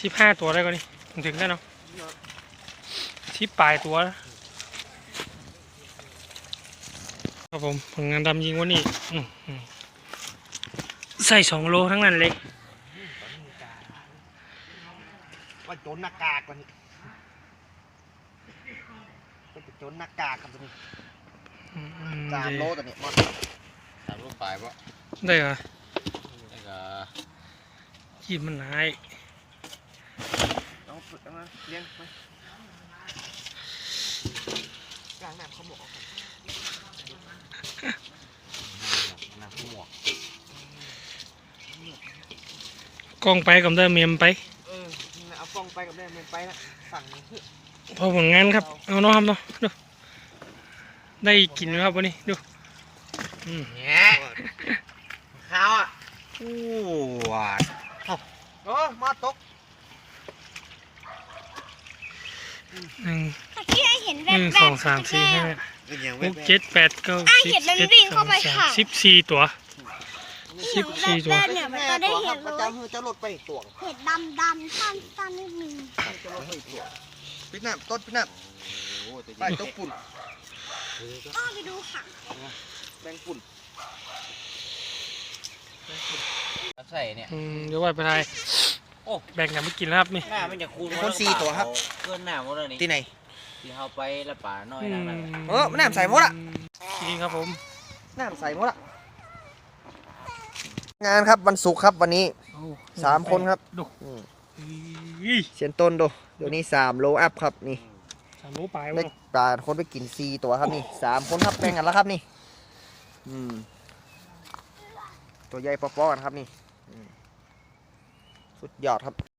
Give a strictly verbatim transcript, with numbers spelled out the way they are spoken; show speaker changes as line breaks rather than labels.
สิบห้าตัวได้ก่อนนี่ถึงได้เนาะสิบปลายตัวครับผมผลงานดำยิงวันนี้ใส่สองโลทั้งนั้นเลย
ว่าโจนหน้ากากก่อนนี่เป็นโจนหน้ากากครับตัวนี้สามโลตัวนี้มอด
สามโลปลายปะ
ได้เหรอ
ได้ก็
ขีดมันหาย
เอาฝึกเอามาเลี้ยงไปกลางน้ำเขาหมวกน้ำเขาหมวก
กล้องไปกับได้เมียมไป
เออเอากล้องไปกับได้เมียมไปละสั่งเพื่อ
พอผลงานครับเอาเนาะครับเนาะดูได้กินไหมครับวันนี้ดู
เนี่ยข้าวอ่ะโอ้หวานโอ้มาตก
หนึ่ง
ที่ให้เห็น
หนึ่งสองสามสี่ห้าหกเจ็ดแปดเก้าสิบเจ็ดสองสามสิบสี่ตัวสิบสี่ตัว
เนี่ยมันก็ได้เห็นเลย
จะลดไปตัว
เห็ดดำดำสั้นสั้นนิดนึง
ปิดน้ำต้นปิดน้ำไปต้นปุ่น
อ้อไปดูค่ะ
แบงปุ่น
ใส่เนี่ย
เดี๋ยวว่าไปไทยโอ้แบ่งกันไม่กินแล้วครับนี่
หน้ามันจะคูณ
คนสี่ตัวครับ
เกินหน้าหมดเลยนี่
ที่ไหน
ที่เขาไปละป่าน้อยนั่น
เออน้ำใส่หมดอ่ะ
จริงครับผม
น้ำใส่หมดอ่ะงานครับวันศุกร์ครับวันนี้สามคนครับ
ดู
เสียนต้นดูเดี๋ยวนี้สามโลอัพครับนี่
สามโลปลาย
ได้ปลาคนไปกินสี่ตัวครับนี่สามคนครับแบ่งกันแล้วครับนี่อืมตัวใหญ่ปอๆกันครับนี่สุดยอดครับ